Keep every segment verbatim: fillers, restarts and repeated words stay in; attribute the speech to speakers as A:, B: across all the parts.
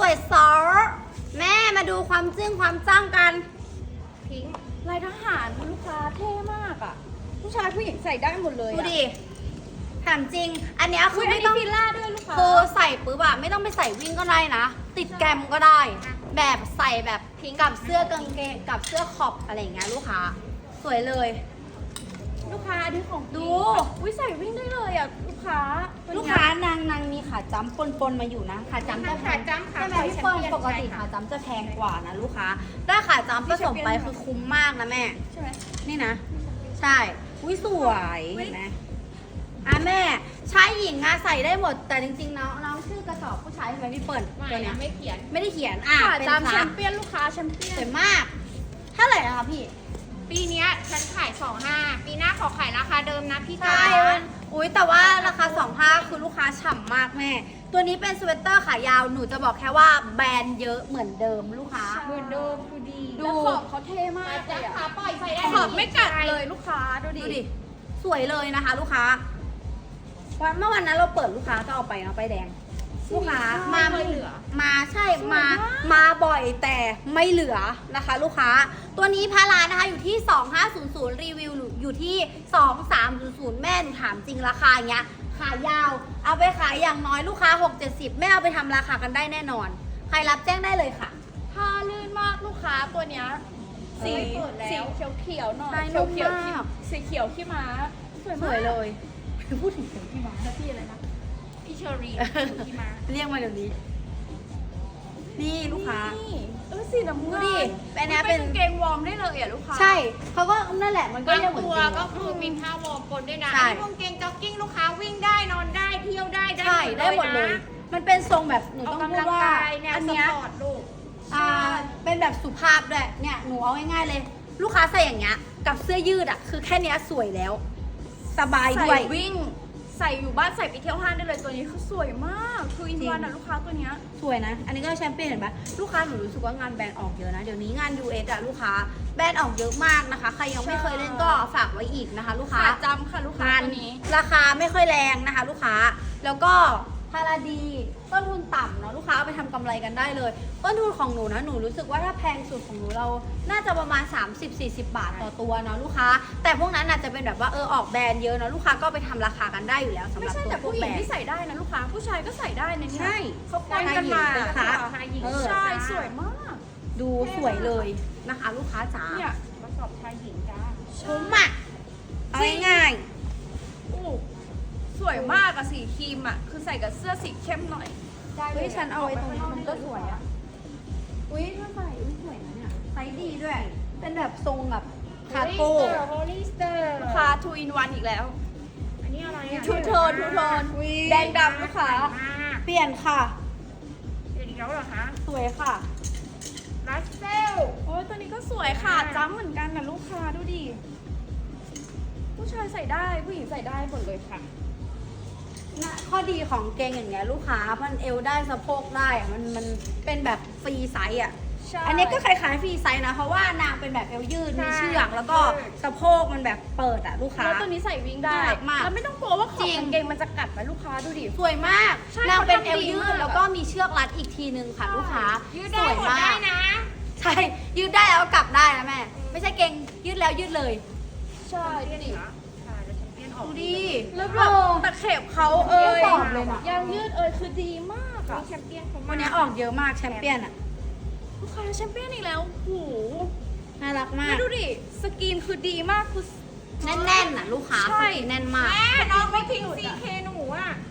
A: วยซอแม่มาดูความจึ้งความจ้างกันพิงค์
B: ลายทหารลูกค้าเท่มากอ่ะผู้ชายผู้หญิงใส่ได้หมดเลย
A: ดูดิถามจริงอันเนี้ยคือไม่ต้อง
B: ฟิลล่าด้วยลูกค้า
A: คือใส่ปุ๊บอะไม่ต้องไปใส่วิ่งก็ได้นะ ติดแกรมก็ได้ แบบใส่แบบพิงกับเสื้อกางเกงกับเสื้อขอบอะไรอย่างเงี้ยลูกค้าสวยเลย
B: ลูกค้าอันนี้ของ
A: ดู
B: อุ้ยใส่วิ่งได้เลยอ่ะลูกค้า
A: ลูกค้านางนางมีขาจ้ำปนปนๆมาอยู่นะขาจ้ำจะแพง
C: ขาจ้ำขา
A: ใช่ไหม
C: ปล่อย
A: พี่เปิ้ล
C: แชมเปี้ยน
A: ปกติ
C: ใช่ค่ะ
A: ขาจ้ำจะแพงกว่านะลูกค้าได้ขาจ้ำผสมไปคือคุ้มมากนะแม่
B: ใช่ไหม
A: นี่นะ ใช่อุ้ยสวยเห็นไหมอ่ะแม่ชายหญิงอะใส่ได้หมดแต่จริงๆน้องน้องชื่อกระสอบผู้ชายใช่ไหมพี่เปิ้ล
C: ไม่
A: ตัวเนี้ย
C: ไม่เขียน
A: ไม่ได้เขียนอ่ะ
B: ค่ะ
A: เป็น
B: ตามแช
A: ค่ะ
B: มเปี้ยนลูกค้าแชมเปี้ย
A: สวน ยมากเท่าไหร่นะคะพี่
C: ปีเนี้ยฉันขายสองห้าปีหน้าขอขายราคาเดิมนะพี่จ๋า
A: ใช่อุ้ยแต่ว่าราคาสองห้าคือลูกค้าฉ่ำมากแม่ ตัวนี้เป็นสเวตเตอร์ขายาวหนูจะบอกแค่ว่าแบรนด์เยอะเหมือนเดิมลูกค้า
C: เหมือนเดิมคือดี
A: ดู
B: แล้วขอบเขาเท่มาก
C: จ้า
B: เลย
C: ขา
B: อะ
C: ปล่อยใส่ได้
B: ขอบไม่กัดเลยลูกค้าดูดิ
A: ดูดิสวยเลยนะคะ ลูกค้าวันเมื่อวันนั้นเราเปิดลูกค้าก็เอาไปเนาะไปแดง ลูกค้ามา
C: ไม่เหลือ
A: มาใช่มามาบ่อยแต่ไม่เหลือนะคะ ลูกค้า ตัวนี้พารานะคะอยู่ที่ สองห้าศูนย์ศูนย์ รีวิวอยู่ที่ สองสามศูนย์ศูนย์ แม่หนูถามจริงราคาอย่างเงี้ยขายาว เอาไปขายอย่างน้อยลูกค้า หกเจ็ดสิบ แม่เอาไปทำราคากันได้แน่นอน ใครรับแจ้งได้เลยค่ะ
B: ผ้าลื่นมากลูกค้าตัวเนี้ยสี
C: เปิดแล้ว
B: สีเขียวเขียวๆหน่อย
A: ใช่
B: เขียวเขียว
A: นุ่มมาก
B: สีเขียวขี้ม้าสวย
A: ส
B: มาก
A: วยเลยพูดถึงเสียงพี่มาแล้วพี่อะไรนะ
C: พี่เชอรี่ที่มา
A: เรียกมาเดี๋ยวนี้ นี่ลูกค้า
B: นี่เออสีน้ำเงิน
A: ดูดิเป็นเนี้ย
B: เป็น
A: เป็น
B: กางเกงวอร์มได้เลยอ่ะลูกค้า
A: ใช่เขาก็นั่นแหละมันก็
C: บาง
A: เรียกเหมือน
C: ตัว
A: จริง
C: ก็คือมีผ้าวอร์มปนด้วยนะ
A: ใช่
C: อันนี้กางเกงจ็อกกิ้งลูกค้าวิ่งได้นอนได้เที่ยวได้
A: ใช่ได้หมดเลย
C: นะ
A: มันเป็นทรงแบบหนู
C: ออก
A: ต้องพู
C: กำลั
A: ด
C: ง
A: ว่าก
C: ายแนว
A: อัน
C: ส
A: เนี้ย
C: ปอร์ตลูก
A: อ่าเป็นแบบสุภาพด้วยเนี่ยหนูเอาง่ายๆเลย ลูกค้าใส่อย่างเงี้ยกับเสื้อยืดอ่ะคือแค่เนี้ยสวยแล้ว สบาย
B: ใส่
A: ด้วย
B: วิ่งใส่อยู่บ้านใส่ไปเที่ยวห้างได้เลยตัวนี้คือสวยมากคืออิน
A: จริง
B: วันอ่ะลูกค้าตัวเนี้ย
A: สวยนะ อันนี้ก็แชมเปี้ยนเห็นปะลูกค้าหนูรู้สึกว่างานแบรนด์ออกเยอะนะ เดี๋ยวนี้งาน ยู เอส อะลูกค้าแบรนด์ออกเยอะมากนะคะ ใครยังไม่เคยเล่นก็ฝากไว้อีกนะคะ ลูกค้า
B: ขาจำค่ะลูกค้าง
A: าน
B: ตัวนี้
A: ราคาไม่ค่อยแรงนะคะ ลูกค้า แล้วก็พาราดีต้นทุนต่ำเนาะลูกค้าเอาไปทำกำไรกันได้เลย ต้นทุนของหนูนะหนูรู้สึกว่าถ้าแพงสุดของหนูเรา น่าจะประมาณ สามสิบสี่สิ บาทต่อตัวเนาะลูกค้า แต่พวกนั้นอาจจะเป็นแบบว่าเออออกแบรนด์เยอะเนาะลูกค้าก็เอาไปทำราคากันได้อยู่แล้วสำห
B: ไม่
A: รับ
B: ใช่
A: ตัว
B: แต่
A: พว
B: ผู้
A: ก
B: หญิ
A: แบ
B: ง
A: รน
B: ที่
A: ด์
B: ใส่ได้นะลูกค้าผู้ชายก็ใส่ได้นะเนี่ย
A: ใช่
B: เขาปนกันมา
A: ชายหญิงเป็นขา
C: ชายหญิง
A: เออ
B: ใช่สวยมาก
A: ดูสวยเลยนะคะ ลูกค้าจ๋า
B: เนี่ย
C: กระสอบชายหญิงจ้า
A: คุ้มอ่ะเอาง่าย
B: อู้สวยมากอะสีครีมอะคือใส่กับเสื้อสีเข้มหน่อย
A: ๆเฮ้ยฉันเอาไอ้ตรงนี้มันก็สวยอ่ะอุ้ยถ้าใส่อุ้ยสวยนะเนี่ยไซส์ดีด้วย เป็นแบบทรงแบบคาโก้
C: โฮลิสเตอร์
B: ลูกค้า two in one อีกแล้ว
C: อันนี้อะไรอ่ะ
B: ทูโทนทูโทน
A: อุ๊ย
B: แดงดำลูกค้า
C: มาก
A: เปลี่ยนค่ะ
C: เดี๋ยวอีกแล้วเหรอคะ
A: สวยค่ะ
C: รัสเซล
B: โอ้ยตัวนี้ก็สวยค่ะจ้ำเหมือนกันนะลูกค้าดูดิ ผู้ชายใส่ได้ผู้หญิงใส่ได้หมดเลยค่ะ
A: นะข้อดีของเกงอย่างเงี้ยลูกค้ามันเอวได้สะโพกได้อะมันมันเป็นแบบฟรีไซส์อ่ะ
B: ใช่
A: อันนี้ก็คล้ายๆฟรีไซส์นะ เพราะว่านางเป็นแบบเอวยืดมีเชือกแล้วก็สะโพกมันแบบเปิดอ่ะลูกค้า
B: แล้วตัวนี้ใส่วิ่งได้
A: น่ารักมาก
B: แล้วไม่ต้องกลัวว่าข
A: จ
B: อ
A: ริ
B: บ
A: ง
B: กางเกงมันจะกัดไหมลูกค้าดูดิ
A: สวยมาก
B: ใช่
A: นางเป็น
B: เขา
A: เอ
B: ทำ
A: ว
B: ดี
A: ยื
B: มา
A: ด
B: ก
A: แล้วก็มีเชือกรัดอีกทีนึงค่ะลูกค้า
C: ยื
A: ยื
C: ดได้หมดได้นะ
A: ใช่ ยืดได้แล้วกลับได้นะแม่ ไม่ใช่เกงยืดแล้วยืดเลย
B: ใช่ดูดิ
C: ใช่แล้วแชมเปี้ยนออก
A: ดูดิ
B: แล้วแบบตะเข็บเขาเอ่ย
A: ตอบเลยนะ
B: ยางยืดเอ่ยคือดีมาก
C: มี
B: อะ
C: แชมเปี้ยนเขา
A: วันนี้ออกเยอะมากแชมเปี้ยนอ่ะ
B: ลูกค้าแชมเปี้ยนอีกแล้วโอ้โห
A: น่ารักมา
B: แล้
A: ก
B: วดูดิสกรีนคือดีมากคือ
A: แน่นๆน่ะลูกค้า
B: ใช่
A: สกรีนแน่นมาก
C: แม่น้องไม่ทิ้งซีเคหนูอ่ะ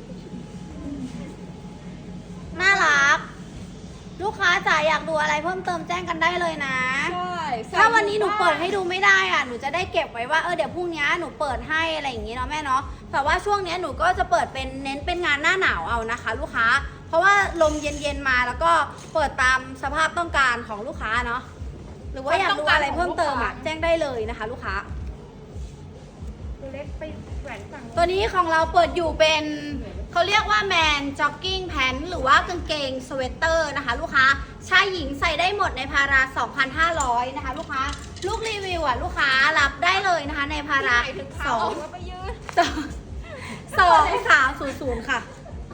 A: น่ารัก ลูกค้าจ๋าอยากดูอะไรเพิ่มเติมแจ้งกันได้เลยนะ
B: ใช่ใส่
A: ถ้าวันนี้หนูเปิดให้ดูไม่ได้อ่ะ หนูจะได้เก็บไว้ว่าเออเดี๋ยวพรุ่งนี้หนูเปิดให้อะไรอย่างงี้เนาะแม่เนาะ แต่ว่าช่วงนี้หนูก็จะเปิดเป็นเน้นเป็นงานหน้าหนาวเอานะคะ ลูกค้า เพราะว่าลมเย็นๆมาแล้วก็เปิดตามสภาพต้องการของลูกค้าเนาะ หรือว่าอยากดูอะไรเพิ่มเติมอ่ะแจ้งได้เลยนะคะ ลูกค้า
C: ตัวเล็กไปแหวนฝั่ง
A: ตัวนี้ของเราเปิดอยู่เป็นเขาเรียกว่าแมนจ็อกกิ้งแพนหรือว่ากางเกงสเวตเตอร์นะคะ ลูกค้าชายหญิงใส่ได้หมดในพารา สองพันห้าร้อย นะคะ ลูกค้าลูกรีวิวอ่ะลูกค้ารับได้เลยนะคะในพารา
C: ถึง
A: ส
C: ขา
A: อง
C: ออกแล้วไปยืด
A: สองสามศูนย์ศูนย์ค่ะ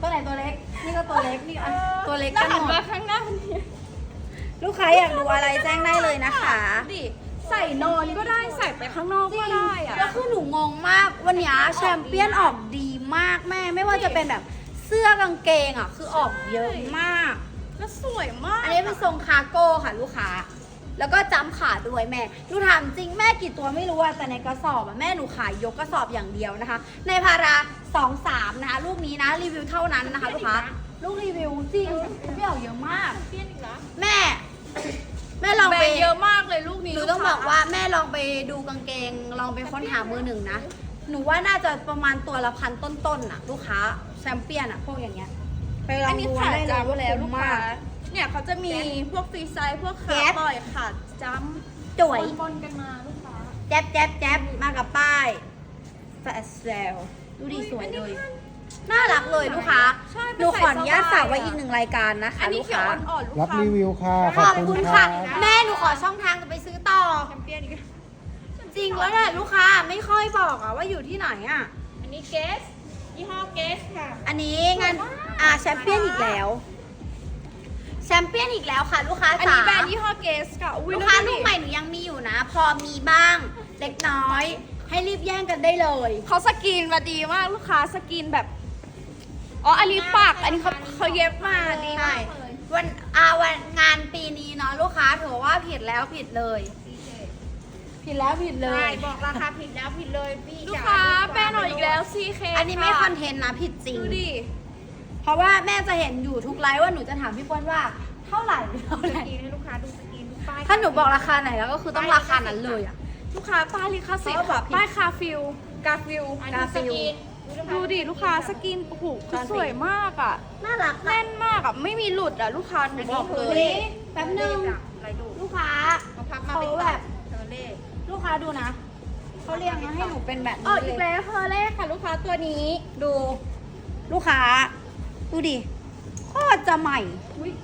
A: ตัวไหนตัวเล็ก นี่ก็ตัวเล็กนี่อ่ะตัวเล็ก
B: ห
A: กัน
B: น้าหัน
A: หม
B: มา
A: ด
B: ข้างหน้ามันเนี่ย
A: ลูกค้าอยากดูอะไรแจ้งได้เลยนะคะ
B: ดิใส่นอนก็ได้ใส่ไปข้างนอกก็ได้อะ
A: แล้วคือหนูงงมากวันนี้แชมเปี้ยนออกดีมากแม่ไม่ว่าจะเป็นแบบเสื้อกางเกงอ่ะคือออกเยอะมาก
B: แล้วสวยมาก
A: อันนี้เป็นทรงคาร์โก้ค่ะลูกค้า แล้วก็จำขาด้วยแม่หนูถามจริงแม่กี่ตัวไม่รู้อะแต่ในกระสอบอะแม่หนูขายยกกระสอบอย่างเดียวนะคะ ในพาราสองสามนะคะลูกนี้นะรีวิวเท่านั้นนะคะลูกค้าลูกรีวิวจริงไม่ออกเยอะมาก
B: เปลี่ยนอีกแล้ว
A: แม่ แม่ลอง
B: แบร
A: ไป
B: นด์เยอะมากเลยลูกนี้
A: หนูต้องบอกว่าแม่ลองไปดูกางเกง ลองไปค้นหามือหนึ่งนะ หนูว่าน่าจะประมาณตัวละพันต้นๆน่ะ ลูกค้าแชมเปี้ยนอะพวกอย่างเงี้ยไปลอ
B: อั
A: ง
B: นนี้
A: ดู
B: ขาด
A: ได้เลย
B: จ้ำ
A: ว่า
B: แล้ว
A: คุ้
B: ลู
A: ม
B: ก
A: มา
B: ค้าก เนี่ยเขาจะมีพวกฟรีไซส์พวก
A: แก๊
B: ขา
A: ป
B: ปล่อยขาดจ้
A: สวย
B: ำปนๆกันมาลูกค้า
A: แจ๊บแจ๊บแจ๊บมากับป้ายแฟชเซลดูดิสวยเลย น่ารักเลยลูกค้า
B: ใช่
A: หนูขออนุญาตฝากไว้อีกหนึ่งรายการนะคะ
B: อันนี้
A: ลูก
B: เขียว
A: ค้า
B: อ่อนๆลูก
D: รับ
B: ค้า
D: รีวิวค่ะ
A: ข
D: ขอ
A: อ
D: บบ คุ
A: คุณ
D: ณ
A: ค่ะ
D: ค่ะ
A: แม่หนูขอช่องทางจะไปซื้อต่อ
B: แชมเปี้ยนอีกแล้ว
A: จริงแล้วเนี่ยลูกค้าไม่ค่อยบอกอะว่าอยู่ที่ไหนอะ
C: อันนี้เกสยี่ห้อเกสค่ะ
A: อันนี้งานอ่าแชมเปี้ยนอีกแล้วแชมเปี้ยนอีกแล้วค่ะ ลูกค้า
B: อัน
A: จ๋า
B: นี้แบรนด์ยี่ห้อเกสค่ะอุ้ย
A: ลูกค้า
B: ดู
A: ลู
B: ดิ
A: กใหม่หนูยังมีอยู่นะ พอมีบ้างเล็กน้อย ให้รีบแย่งกันได้เลย
B: เขาสกรีนมาดีมากลูกค้าสกรีนแบบ อ๋อ อันนี้ปัก อันนี้เขาเขาเย็บมาดี
A: ใช่
B: มากเลย
A: วันอาวันงานปีนี้เนาะลูกค้าถือว่าผิดแล้วผิดเลย ผิดแล้วผิดเล
C: ใช่
A: ย
C: บอกราคาผิดแล้วผิดเลยพี่
B: ลูก
C: จ๋
B: ค้า
C: ดีว่
B: แป้งหน่อยอีกแล้ว ซี เค
A: อันนี้ไม่คอนเทนต์นะผิดจริง
B: ดูดิ
A: เพราะว่าแม่จะเห็นอยู่ทุกไลฟ์ว่าหนูจะถามพี่เปิ้ลว่าเท่าไหร่เท่า
C: ส
A: ไหร่
C: กรีนให้ลูกค้าดูสกรีนดูป้าย
A: ถ้าหนูบอกราคาไหนแล้วก็คือต้องราคานั้นเลยอะ
B: ลูกค้าป้ายลิขสิทธิ์
A: เขาบอ
B: ค่ะ
A: กผิด
B: ป้ายคาฟิล กาฟิล
C: อันนี้สกรีน
B: ดูดิลูกค้าสกรีนโอ้โหคือสวยมากอ่ะ
A: น่ารัก
B: แน่นมากอ่ะ ไม่มีหลุดอ่ะ ลูกค้าหนูบอกเลย
A: นี่แป๊บนึง
C: อะไรดู
A: ลูกค้า
C: เขาพับมา
A: เขา
C: เป็น
A: แบบ
C: เทอร์เล่
A: ลูกค้าดูนะเขาเรียงมาให้หนูเป็นแบบ
B: อ๋อ
A: นี้
B: อีก
A: เลย
B: แล้วเพอร์เล่ค่ะ ลูกค้าตัวนี้
A: ดู ลูกค้า ดูดิโคตรจะใหม่
B: อุ้ย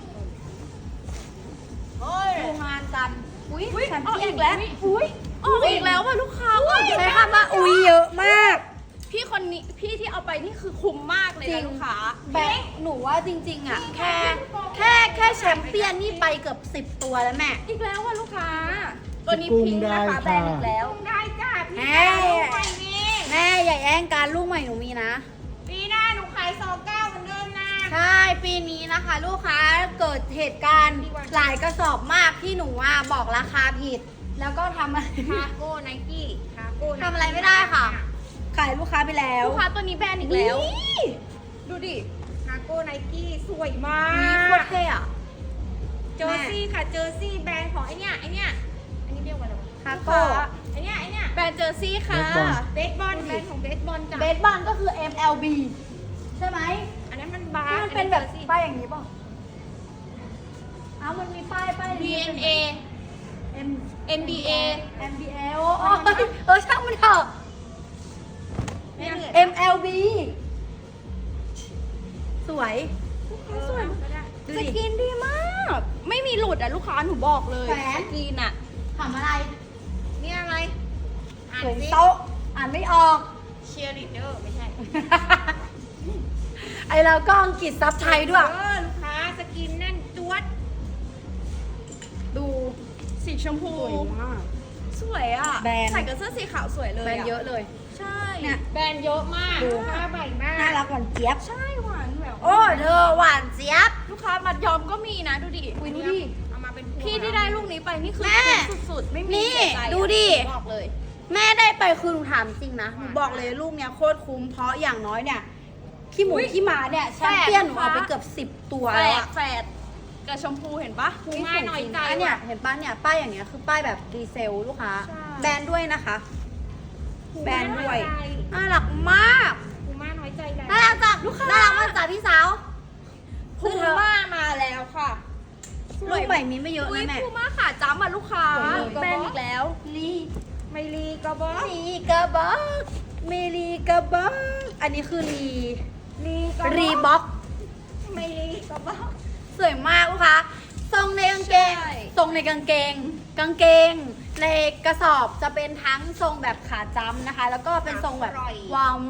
A: ดูงานกันอุ้ย
B: อุ้ย
A: แชม
B: ออก
A: เปี้ยน
B: อีกแล้วอุ้ยออกอีกแล้วว่ะลูกค้าออกอีก
A: ใช้
B: แล้ว
A: คำว่าอุ้ยเยอะมาก
B: พี่คนนี้พี่ที่เอาไปนี่คือคุ้มมากเลย
A: จริ
B: นะ
A: ง
B: ลูกค้า
A: แบงค์หนูว่าจริง ๆ อ่ะ แค่แค่แค่แชมเปี้ยนนี่ไปเกือบสิบตัวแล้วแม่
B: อีกแล้วว่ะลูกค้า ตัวนี้
D: กุ้ง
B: พิงค์นะคะ
D: ได้
B: แบรนด์
D: ค่ะ
B: อีกแล้ว
C: ได้จ้าพี่
A: แม่
C: จ๋าลูกใหม่นี่
A: แม่อย่าแย่งการลูกใหม่หนูมีนะ
C: ปีหน้าหนูขายสองเก้าเหมือนเดิมนะ
A: ใช่ปีนี้นะคะ ลูกค้าเกิดเหตุการณ์หลายกระสอบมากที่หนูว่าบอกราคาผิด แล้วก็ทำอะไร
C: คาโก้ไนกี้คาโก้
A: ทำอะไรไม่ได้ค่ะ ขายลูกค้าไปแล้ว
B: ลูกค้าตัวนี้แบรนด์อีกแล้ว ดูดิ
C: คาโก้ไนกี้สวยมา
A: นี่
C: ก
A: โคตรเท่อะ
C: เจอร์ซี่ค่ะเจอร์ซี่แบรนด์ของไอเนี้ยไอเนี้ยอันนี้เรียกว่าอะไรวะ
A: คาโก้
C: ไอเนี้ยไอเนี้ย
B: แบรนด์เจอร์ซี่ค่ะ
D: เบสบอล
C: เบสบอลแบรนด์ของเบสบอลจ้ะ
A: เบสบอลก็คือ เอ็ม แอล บี ใช่ไหม
C: อันนั้นมันบา
A: ที่
C: ร์
A: มันเป็นแบบ
C: อั
A: ป้ายอย่างนี้ป่ะเอ้ามันมีป้ายป้าย
C: จอร์ซี่ วี เอ็น เอ
A: M
C: เอ็ม บี เอ
A: เอ็ม บี เอ โอ้โอ้เออช่างมันเถอะ
C: ไม่เหนื่อย
A: เอ็ม แอล บี สวย
C: สวยก็ได้
A: ดู
B: ส
A: ดิ
B: กินดีมาก ไม่มีหลุดอ่ะลูกค้าหนูบอกเลย
A: แหวน
B: สกินอ่ะ
A: ถามอะไร
C: นี่อะไรอ่าน
A: เขียน
C: สิ
A: โต๊ะ อ่านไม่ออก
C: เชียร์ลีดเดอร์ไม่ใช่
A: ไอเราก็อังกฤษซับไทยด้วย
C: เออลูกค้าสกินแน่นจวด
B: ดูสีชมพู
A: สวยมาก
B: สวยอ่ะ
A: แบรนด์
B: ใส่กับเสื้อสีขาวสวยเลย
A: แบรนด์เยอะเลย
B: ใช่
A: เนี่ย
C: แบรนด์เยอะมาก
A: ดู
C: ลูกค้าใหม่มาก
A: น่ารักหวานเจี๊ยบ
B: ใช่หวานแบบ
A: โอ้เธอหวานเจี๊ยบ
B: ลูกค้ามัดยอมก็มีนะดูดิ
A: อุ้ยดูดิ
C: เอามาเป็นพวง
B: พี่ที่ได้ลูกนี้ไปนี่คือ
A: แม่
B: คุ้มสุดๆ ไม่มี
A: นี่
B: เสียใจอะ
A: ดูดิ
B: บอกเลย
A: แม่ได้ไปคือหนูถามจริงนะ หนูบอกเลยลูกเนี้ยโคตรคุ้ม เพราะอย่างน้อยเนี่ย ขี้หมู
B: อุ๊ย
A: ขี้หมาเนี่ยแชม
B: แฝด
A: เปี้ยนหนู
B: นะคะ
A: เอาไปเกือบสิบตัว
B: แฝ
A: แล้ว
B: ด
A: อะ
B: แฝดกับชมพูเห็นปะ
C: คุ้มมากหน่อยใจ
A: อันเนี่ย
C: ว่ะ
A: เห็นป้าเนี่ยป้ายอย่างเงี้ยคือป้ายแบบดีเซลลูกค้า
B: ใช่
A: แบรนด์ด้วยนะคะ แบรนด์ด้วย
C: ใจ
A: น่ารักมาก
C: คุ้มมากน้อยใจแล้ว
A: น่ารักจังลูกค้าน่ารักมากจ้ะพี่สาว
B: พูม่ามาแล้วค่ะ
A: ลูกใหม่มีไม่เยอะ
B: อุ้ย
A: นะแม่
B: พูม่าขาจ้ำอ่ะลูกค้า
A: สวยเลย
B: แบรนด์อีกแล้ว
A: ลี
C: ไม่รีก็บอก
A: ลีกระบอกเมลีกระบอกอันนี้คือลี
C: รีก็
A: รีบ็อก
C: ไม่รีก็บอก
A: สวยมากลูกค้าทรงในกางเกง
B: ใช่
A: ทรงในกางเกง กางเกง ในกระสอบจะเป็นทั้งทรงแบบขาจ้ำนะคะ แล้วก็เป็นทรงแบบวอร์ม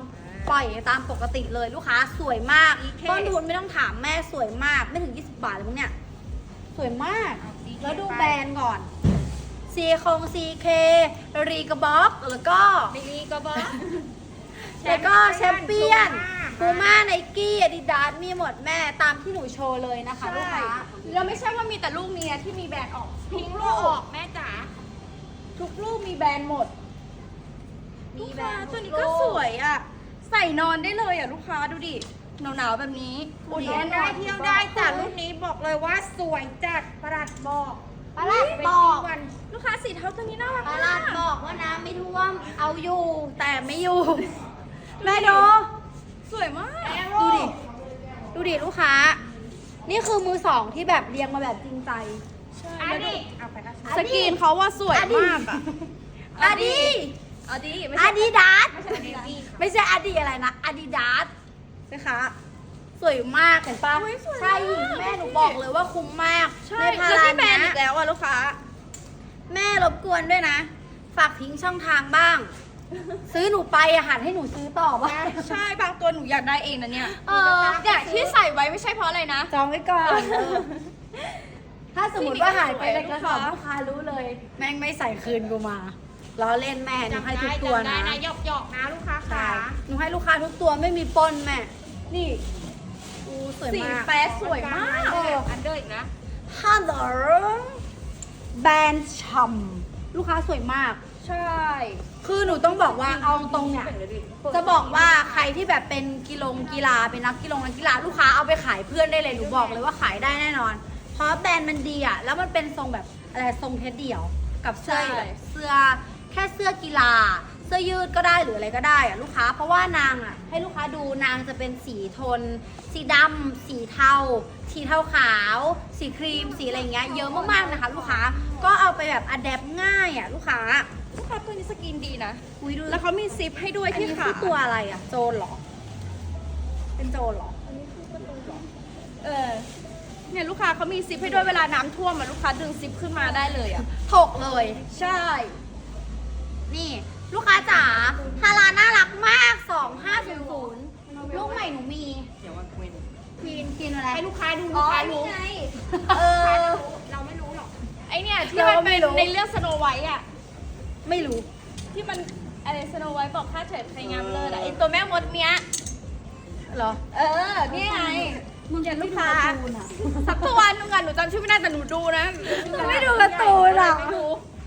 A: ปล่อยตามปกติเลยลูกค้าสวยมาก
B: อีเค
A: ต้นทุนไม่ต้องถามแม่สวยมากไม่ถึงยี่สิบบาทเลยมั้งเนี่ยสวยมาก แล้วดูแบรนด์ก่อนซีคงซีเครีกระบอก แล้วก็
C: บิลีก็บอก
A: แล้วก็แชมเปี้ยนพูม่าไนกี้อาดิดาสมีหมดแม่ตามที่หนูโชว์เลยนะคะลูก
B: ใช่
A: ค้า
B: แล้วไม่ใช่ว่ามีแต่ลูกนี้นะที่มีแบรนด์ออก
C: พิ
B: ทุ
C: ง
B: ก
C: ค์
B: ลู
C: ลูกออก กแม่จ๋า
B: ทุกลูกมีแบรนด์หมด
C: มี
B: ลูก
C: แบร
B: ค้าน
C: ด์
B: ตัวนี้ก็สวยอ่ะ ใส่นอนได้เลยอ่ะลูกค้าดูดิหนาวๆแบบนี้
C: อุ่นร้อนได้เที่ยวได้จ้ะรุ่นนี้บอกเลยว่าสวยจัดประหลัดบอก
A: ปลาลัดบอก
C: วัน
B: ลูกค้าสีเทาตัวนี้น่ารัก
A: ปลา
B: าก
A: ลัดบอกว่าน้ำไม่ท่วมเอาอยู่แต่ไม่อยู่ แม่ดู
B: สวยมาก
A: ดูดิ ดูดิลูกค้า นี่คือมือสองที่แบบเรียงมาแบบจริงใจ
B: ใช่
C: อัน
B: แล้วดู
C: นี้เอาไปนะ
B: สกรีนเขาว่าสวยมากอ่ะ
A: อาดิ
B: อาดิไม่
A: อา
B: ใช่
A: ดิดาส
C: ไม่ใช่เนวี่ค่ะ
A: ไม่ใช่อาดิอะไรนะอาดิดาสนะคะสวยมากเห็นปะ
B: อุ๊ยสวยมาก
A: ใช่หญิงแม่หนูบอกเลยว่าคุ้มมาก
B: ใช่
A: ในพา
B: แล้ว
A: รา
B: ที่แบร
A: เนี้
B: นด์อี
A: ย
B: กแล้วอ่ะลูกค้า
A: แม่รบกวนด้วยนะ ฝากทิ้งช่องทางบ้าง ซื้อหนูไปอาหารให้หนูซื้อต่อบ้าง
B: ใช่บางตัวหนูอยากได้เองนะเนี่ย
A: เออ
B: เนี่ยที่ใส่ไว้ไม่ใช่เพราะอะไรนะ
A: จองไว้ก่อนเออถ้าสมมติว่าหายไปในกระสอบ
B: ลู
A: ลู
B: ก
A: ก
B: ค้า
A: ค้ารู้เลย แม่งไม่ใส่คืนกูมาล้อเล่นแม่หนู
C: จำ
A: ให้
C: ได้
A: ทุกตัว
C: จำได้
A: นะ
C: นะหยอกหยอกๆนะลูกค้า
A: ใช่
C: ค่ะ
A: หนูให้ลูกค้าทุกตัวไม่มีปนแม่ นี่อูสวย
B: สี
A: มาก
B: แป๊ดสวยมาก
A: เออ
C: อันเดอร์อีกนะ
A: ฮัลโหลแบรนด์ช่ำลูกค้าสวยมาก
B: ใช่
A: คือหนูต้องบอกว่าเอาตรงเนี่ย จะบอกว่าใครที่แบบเป็นกีฬงกีฬาเป็นนักกีฬงนักกีฬาลูกค้าเอาไปขายเพื่อนได้เลยหนูบอกเลยว่าขายได้แน่นอน เพราะแบรนด์มันดีอ่ะแล้วมันเป็นทรงแบบอะไรทรงเทสเดี่ยวกับเสื้อแบบเสื้อแค่เสื้อกีฬา เสื้อยืดก็ได้หรืออะไรก็ได้อ่ะลูกค้า เพราะว่านางอ่ะให้ลูกค้าดูนางจะเป็นสีโทน สีดำสีเทาสีเทาขาว สีครีมสีอะไรอย่างเงี้ยเยอะมากๆนะคะ ลูกค้าก็เอาไปแบบอัดแอปง่ายอ่ะลูกค้า
B: ลูกค้าตัวนี้สกินดีนะ
A: อุ้ยดู
B: แล้วเขามีซิปให้ด้วย
A: อัน
B: ที่
A: นี้
B: ขา
A: คือตัวอะไรอ่ะโจรเหรอ เป็นโจรเหรอ
B: เออเนี่ยลูกค้าเขามีซิปให้ด้วยเวลาน้ำท่วมอะลูกค้าดึงซิปขึ้นมาได้เลยอ่ะ
A: ถกเลย
B: ใช่
A: นี่ ลูกค้าจ๋าฮาราน่ารักมาก สองห้าศูนย์ศูนย์ลูกใหม่หนูมีควีนควีนอะไร
C: ให้ลูกค้าดูลูกค้ารู้
B: ไง
A: เออ
C: เราไม่รู้หรอก
B: ไอเนี่ยที่
A: เรา
B: มัน
A: ไม่
B: เป็น
A: รู้
B: ในเรื่องสโนไวท์อ่ะ
A: ไม่รู้
B: ที่มันอะไรสโนไวท์บอกค่าเฉิดใครงามเลิศอ่ะไอตัวแม่มดเนี้ย
A: เหรอ
B: เออนี่ไง
A: มึงจะ
B: ลู
A: ลูก
B: ก
A: ค้า
B: ค้า สักตัวนึงอ่ะหนูจำชื่อไม่ได้แต่หนูดูนะ
A: ไม่ดูการ์ตูนอ่ะ
B: ไม่ดู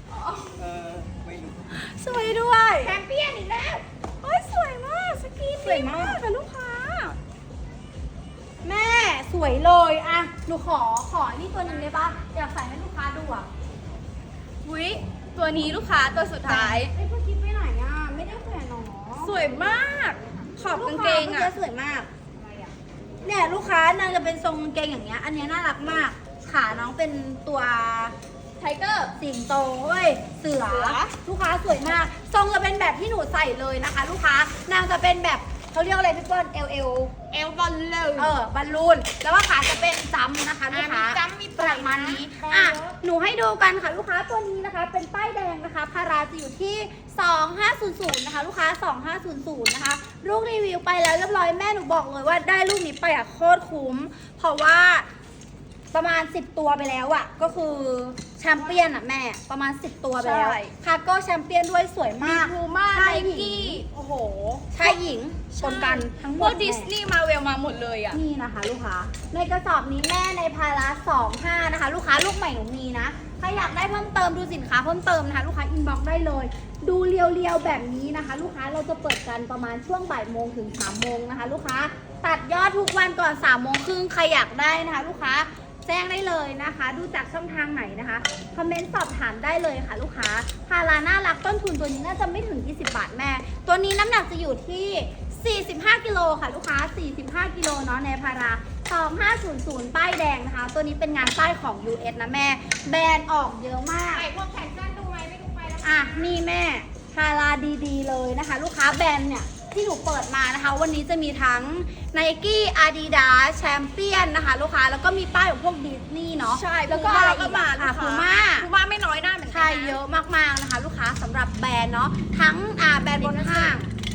A: สวยด้วย
C: แชมเปี้ยนอีกแล้ว
B: เฮ้ยสวยมากสกีน
A: สวยมาก
B: ค่ะลูกค้า
A: แม่สวยเลยอ่ะหนูขอขอนี่ตัวหนึ่งได้ปะอยากใส่ให้ลูกค้าดูอ่ะ
B: วิตัวนี้ลูกค้าตัวสุดท้าย
A: ไอ้ยเพื่อคิดไปไหนอ่ะไม่ได้แขวนหรอ
B: สวยมาก ขอบกางเกง
A: ลูค้
B: อ่ะ
A: สวยมาก เนี่ยลูกค้านางจะเป็นทรงกางเกงอย่างเงี้ย อันเนี้ยน่ารักมาก ขาน้องเป็นตัว
B: ไทเกอร์
A: สิงโตเว้ย เสือ
B: เสือ
A: ลูกค้าสวยมาก ทรงจะเป็นแบบที่หนูใส่เลยนะคะ ลูกค้า นางจะเป็นแบบเขาเรียกอะไรพี่เปิ้ลเอลเอล
C: เอลบอลเลย
A: เออบอลลูน แล้วว่าขาจะเป็นจัมป์นะคะลูกค้า
C: อ่ะมีจัมป์มี
A: ป
C: ปล่อย
A: ระมาณนี้
C: นะ
A: อ่ะ
C: เยอะ
A: หนูให้ดูกันค่ะลูกค้าตัวนี้นะคะ เป็นป้ายแดงนะคะ พาราจะอยู่ที่ สองห้าศูนย์ศูนย์ นะคะ ลูกค้า สองห้าศูนย์ศูนย์ นะคะ ลูกรีวิวไปแล้วเรียบร้อยแม่หนูบอกเลยว่าได้ลูกนี้ไปอ่ะโคตรคุ้ม เพราะว่าประมาณ สิบ ตัวไปแล้วอ่ะ ก็คือแชมเปี้ยนอ่ะแม่ ประมาณ สิบ ตัวไปแล้ว
B: ใช่
A: คาร์โก้แชมเปี้ยนด้วยสวย
B: มี
A: มาก
B: พูม่า
A: ชา
B: ไน
A: ยหญิ
B: กี้
A: ง
B: โอ้โห
A: ชายหญิงชนกันทั้งหม
B: พว
A: ด
B: กดิสนีย์มาเวลมาหมดเลยอ่ะ
A: นี่นะคะลูกค้า ในกระสอบนี้แม่ในพาราสองห้านะคะ ลูกค้าลูกใหม่หนูมีนะ ใครอยากได้เพิ่มเติมดูสินค้าเพิ่มเติมนะคะ ลูกค้าอินบ็อกซ์ได้เลย ดูเรียวๆแบบนี้นะคะ ลูกค้าเราจะเปิดกันประมาณช่วงบ่ายโมงถึงสามโมงนะคะ ลูกค้าตัดยอดทุกวันก่อนสามโมงครึ่งใครอยากได้นะคะ ลูกค้าแจ้งได้เลยนะคะ ดูจากช่องทางไหนนะคะคอมเมนต์สอบถามได้เลยค่ะ ลูกค้าพาราน่ารักต้นทุนตัวนี้น่าจะไม่ถึงยี่สิบบาทแม่ ตัวนี้น้ำหนักจะอยู่ที่ สี่สิบห้า กิโลค่ะลูกค้า สี่สิบห้า กิโลเนาะในพารา สองห้าศูนย์ศูนย์ ป้ายแดงนะคะ ตัวนี้เป็นงานป้ายของ ยู เอส นะแม่ แบรนด์ออกเยอะมาก
C: ใส่พวกแขนสั้นดูไหมไม่ดูไปแล้ว
A: อ่ะ นี่แม่พาราดีๆเลยนะคะ ลูกค้าแบรนด์เนี่ย ที่หนูเปิดมานะคะ วันนี้จะมีทั้ง Nike Adidas Champion นะคะ ลูกค้าแล้วก็มีป้ายของพวกดิสนีย์เนาะ
B: ใช่
A: แล้ว
B: พู
A: ก็
B: ม่า
A: อะไร
B: ก็
A: อีก
B: มา
A: อ่ะ
B: ลูก
A: พู
B: ค้า
A: ม่า
B: พูม่าไม่น้อยหน้าเหมือนกั
A: ใช่
B: นนะ
A: เยอะมากๆนะคะ ลูกค้าสำหรับแบรนด์เนาะทั้งอ่าแบรนด์บนห้าง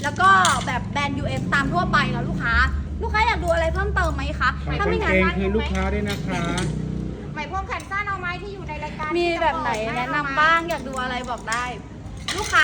A: แล้วก็แบบแบรนด์ ยู เอส ตามทั่วไปนะลูกค้าลูกค้าอยากดูอะไรเพิ่มเติมไหมคะ
D: ฝาก
A: ถ้าไม่
D: กาง
A: งั้
D: เก
A: น
D: งคืนลูกค้าด้วยนะคะ
C: ไหมพรมแขนสั้นเอาไหมที่อยู่ในรายการ
A: มี
C: ที่จะ
A: แบบไหน
C: เปิด
A: แนะ
C: เอา
A: นำ
C: ม
A: บ้างอยากดูอะไรบอกได้ ลูกค้า